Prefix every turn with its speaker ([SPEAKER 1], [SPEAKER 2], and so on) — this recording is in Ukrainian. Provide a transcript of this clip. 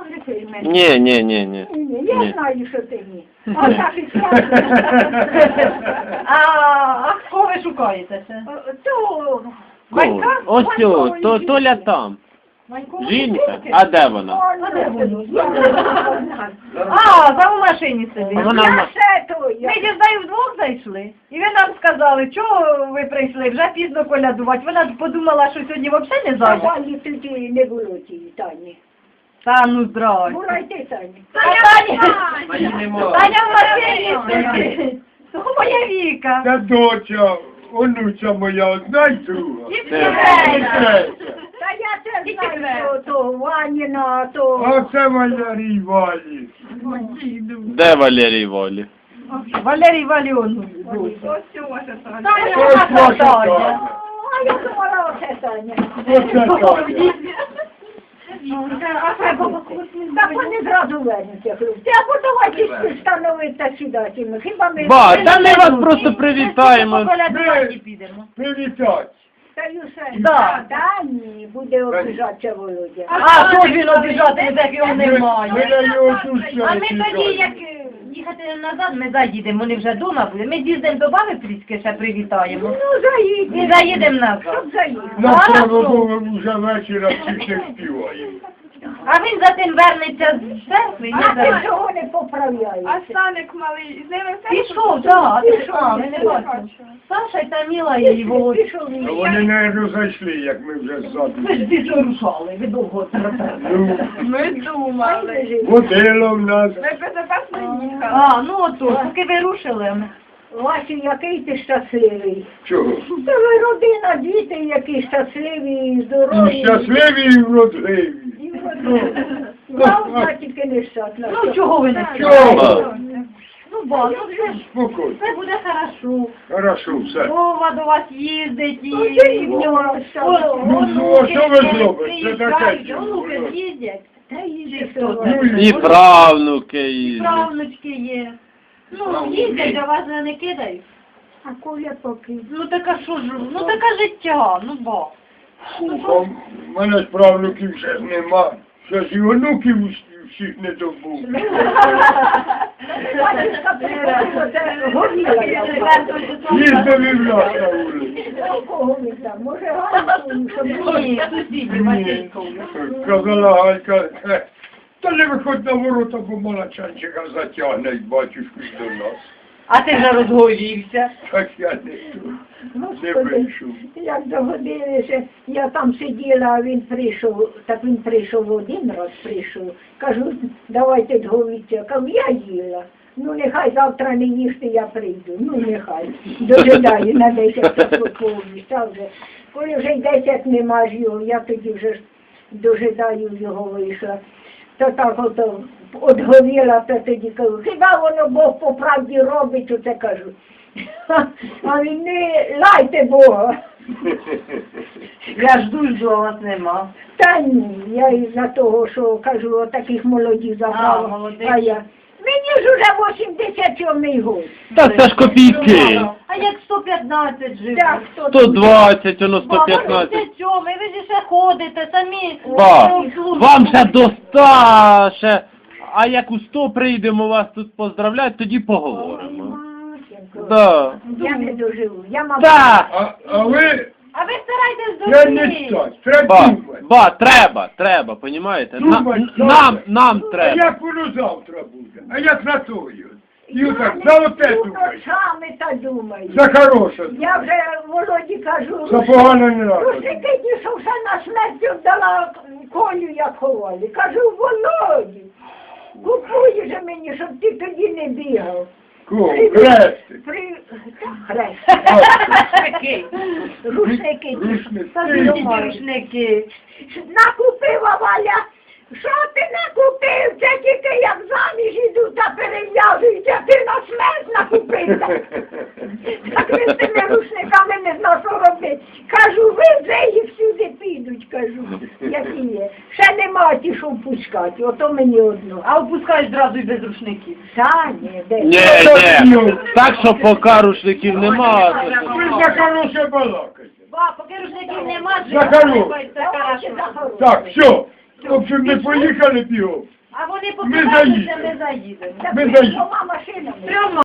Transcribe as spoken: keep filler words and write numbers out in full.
[SPEAKER 1] може ти мене?
[SPEAKER 2] Ні, ні, ні, ні.
[SPEAKER 1] Ні, я
[SPEAKER 2] Ні.
[SPEAKER 1] знаю, що ти ні. А так і справді.
[SPEAKER 3] А, а кого ви шукаєте ще?
[SPEAKER 1] То...
[SPEAKER 2] Кого? Ось цього, то, Толя там. Жінка? А де вона?
[SPEAKER 1] А де воно?
[SPEAKER 3] А, там у машині сидить.
[SPEAKER 2] Вона в
[SPEAKER 1] Я
[SPEAKER 2] маш-
[SPEAKER 1] ще то, я.
[SPEAKER 3] Ми дізнаю вдвох зайшли. І ви нам сказали, чого ви прийшли, вже пізно колядувати. Вона подумала, що сьогодні взагалі не зайде.
[SPEAKER 1] Тані тоді не було тієї Тані.
[SPEAKER 3] Та ну здрасте.
[SPEAKER 1] Була й ти, Тані.
[SPEAKER 3] Таня,
[SPEAKER 2] Таня!
[SPEAKER 3] Таня в машині сидить. Ну, моя Віка.
[SPEAKER 4] Та доча, онуця моя, одна й друга.
[SPEAKER 3] Дівчинка.
[SPEAKER 1] Та я це знаю, що то Ваніна, то...
[SPEAKER 4] А це Валерій Валі.
[SPEAKER 2] Де Валерій Волі?
[SPEAKER 3] Валерій Валіонович. Таня,
[SPEAKER 4] Ось
[SPEAKER 3] вона
[SPEAKER 4] ваша
[SPEAKER 3] Таня.
[SPEAKER 4] Таня.
[SPEAKER 1] А я думала, оце Таня.
[SPEAKER 4] Оце Таня.
[SPEAKER 1] Так вони зразу вернуться, хлопці. Або давайте встановити сідати. Хіба ми...
[SPEAKER 2] Ба, та ми вас просто привітаємо.
[SPEAKER 3] Колядувати підемо.
[SPEAKER 4] Привітать.
[SPEAKER 1] Та Юсе,
[SPEAKER 3] Да.
[SPEAKER 1] та ні, буде обіжатися Володя.
[SPEAKER 3] А, що ж він обіжати, як його
[SPEAKER 4] Ми
[SPEAKER 3] немає?
[SPEAKER 4] на його
[SPEAKER 3] А ми тоді, як е, їхати назад, ми заїдемо, вони вже вдома будуть. Ми з'їздимо до баби трішки, ще привітаємо.
[SPEAKER 1] Ну, заїдь.
[SPEAKER 3] І заїдемо назад.
[SPEAKER 1] Щоб заїхати.
[SPEAKER 4] На
[SPEAKER 3] А,
[SPEAKER 4] слава
[SPEAKER 3] що?
[SPEAKER 4] Богу, вже вечора всіх не співаємо.
[SPEAKER 3] А він за тим вернеться з церкви,
[SPEAKER 1] А
[SPEAKER 3] не
[SPEAKER 1] ти
[SPEAKER 3] за...
[SPEAKER 1] чого не поправляєш?
[SPEAKER 5] А Саник малий, з ними все?
[SPEAKER 3] Пішов, так,
[SPEAKER 1] Пішов,
[SPEAKER 3] а, ми не бачимо. Саша і Таміла і Володя.
[SPEAKER 1] Пішов
[SPEAKER 4] А
[SPEAKER 1] він.
[SPEAKER 4] вони, навіть, зайшли, як ми вже ззаду.
[SPEAKER 3] Ви ж пішли рушали, ви довго трапили.
[SPEAKER 4] Ну,
[SPEAKER 5] Ми думали.
[SPEAKER 4] водило в нас.
[SPEAKER 5] Ми безпечно їхали.
[SPEAKER 3] А, ну ото, поки ви рушили. ми-
[SPEAKER 1] Васю, який ти щасливий.
[SPEAKER 4] Чого?
[SPEAKER 1] Та ви родина, діти, які щасливі і
[SPEAKER 4] І
[SPEAKER 1] здорові.
[SPEAKER 4] щасливі, і вродливі.
[SPEAKER 1] І вродливі. Главна тільки нещасна.
[SPEAKER 3] Ну чого ви не
[SPEAKER 4] Чого?
[SPEAKER 3] Ну, ба, ну все ж,
[SPEAKER 4] Спокійно.
[SPEAKER 3] все буде хорошо.
[SPEAKER 4] Хорошо, все.
[SPEAKER 3] Вова до вас їздить і...
[SPEAKER 1] Ну, я і в нього щасливо.
[SPEAKER 4] Ну, ну, а що ви зробите? Це таке
[SPEAKER 3] Приїжджають,
[SPEAKER 4] чудо.
[SPEAKER 3] онуки їздять.
[SPEAKER 1] Та їдь,
[SPEAKER 3] Чи
[SPEAKER 1] що
[SPEAKER 3] хто
[SPEAKER 1] ви.
[SPEAKER 4] Ну,
[SPEAKER 2] І правнуки, і...
[SPEAKER 3] Правнучки є. Ну, їздять, а вас не кидають.
[SPEAKER 1] А Коля поки.
[SPEAKER 3] Ну така що ж, ну така життя, ну ба.
[SPEAKER 4] У мене ж правнуків ще ж нема. Ще ж і онуків усі- всіх не добув.
[SPEAKER 1] Батюшка приходила, це горіла я.
[SPEAKER 4] Їздив і в нас на вулиці.
[SPEAKER 1] А кого ви там? Може, Ганну, щоб
[SPEAKER 3] Ні, сусіді, Матінько.
[SPEAKER 4] Казала Галька, «Е, та не виходь на ворота, бо малачанчика затягне й батюшку й до нас.
[SPEAKER 3] А ти вже розгорівся.
[SPEAKER 4] Так я не тут, не
[SPEAKER 1] Господи,
[SPEAKER 4] вийшов.
[SPEAKER 1] як догодилися, я там сиділа, а він прийшов, так він прийшов один раз прийшов. Кажу, давайте дговіться. Кажу, я їла. Ну, нехай завтра не їсти, я прийду. Ну, нехай. Дожидаю на десять поповність. А вже, коли вже й десять нема ж його, я тоді вже ж дожидаю його вийшла. То так ото одговіла, то тоді кажу, хіба воно Бог по правді робить, оце кажу. А він не лайте Бога.
[SPEAKER 3] Я жду, жду, а вас нема.
[SPEAKER 1] Та ні, я із-за того, що кажу, отаких молодів
[SPEAKER 3] А,
[SPEAKER 1] забрала.
[SPEAKER 3] молодих.
[SPEAKER 1] А я. Мені ж уже вісімдесят сьомий год.
[SPEAKER 2] Так це ж копійки.
[SPEAKER 3] А як сто п'ятнадцять живе?
[SPEAKER 1] Так, хто
[SPEAKER 2] сто двадцять, воно сто
[SPEAKER 3] Ба,
[SPEAKER 2] п'ятнадцять.
[SPEAKER 3] ви сьомий, ви ж ще ходите, самі.
[SPEAKER 2] Ба,
[SPEAKER 3] ну, служите.
[SPEAKER 2] вам ще до ста, ще... А як у сто прийдемо вас тут поздравляти, тоді поговоримо.
[SPEAKER 1] Матінко,
[SPEAKER 2] Да.
[SPEAKER 1] я не доживу. Я, мабуть,
[SPEAKER 2] Так.
[SPEAKER 4] А, а ви,
[SPEAKER 3] А ви старайтесь
[SPEAKER 4] я
[SPEAKER 3] дожити.
[SPEAKER 4] не стать, треба
[SPEAKER 2] Ба,
[SPEAKER 4] думати.
[SPEAKER 2] ба, треба, треба, понімаєте? На,
[SPEAKER 4] Думать,
[SPEAKER 2] н-
[SPEAKER 4] добре.
[SPEAKER 2] нам, нам
[SPEAKER 4] А
[SPEAKER 2] треба.
[SPEAKER 4] як воно завтра буде? А як на тою? І отак, за оте
[SPEAKER 1] сплю
[SPEAKER 4] думай.
[SPEAKER 1] ночами та думаю.
[SPEAKER 4] За хороше.
[SPEAKER 1] Я вже Володі кажу,
[SPEAKER 4] За погано не треба.
[SPEAKER 1] Рушники, що все на смерть вдала Колю, як ховали. Кажу, Володі, купуй же мені, щоб ти тоді не бігав.
[SPEAKER 4] Кого?
[SPEAKER 1] При-
[SPEAKER 4] Хрести.
[SPEAKER 1] При... Хрест.
[SPEAKER 3] Рушники.
[SPEAKER 1] Рушники.
[SPEAKER 4] Рушники.
[SPEAKER 3] Та ви рушники.
[SPEAKER 1] Накупила Валя. Що ти накупив? Це тільки як заміж іду та перев'язуються, ти на смерть накупився. Так ви з тими рушниками не знав, що робити. Кажу, ви вже їх всюди підуть, кажу, які є. Ще нема ті, що впускати, ото мені одно.
[SPEAKER 3] А опускаєш зразу і без рушників.
[SPEAKER 1] Та ні, де.
[SPEAKER 2] Ні, ні. Так що поки рушників нема. то-
[SPEAKER 4] Ви за хороше балакайте.
[SPEAKER 3] Ба, поки рушників нема,
[SPEAKER 4] За хороше.
[SPEAKER 3] це хорошо.
[SPEAKER 4] Так, все. В общем, ми поїхали бігом.
[SPEAKER 3] А вони
[SPEAKER 4] Ми
[SPEAKER 3] показали, що
[SPEAKER 4] заїдемо.
[SPEAKER 3] ми заїдемо.
[SPEAKER 1] Так
[SPEAKER 4] Ми
[SPEAKER 1] ви
[SPEAKER 4] заїдемо.
[SPEAKER 1] двома машинами.
[SPEAKER 3] Трьома.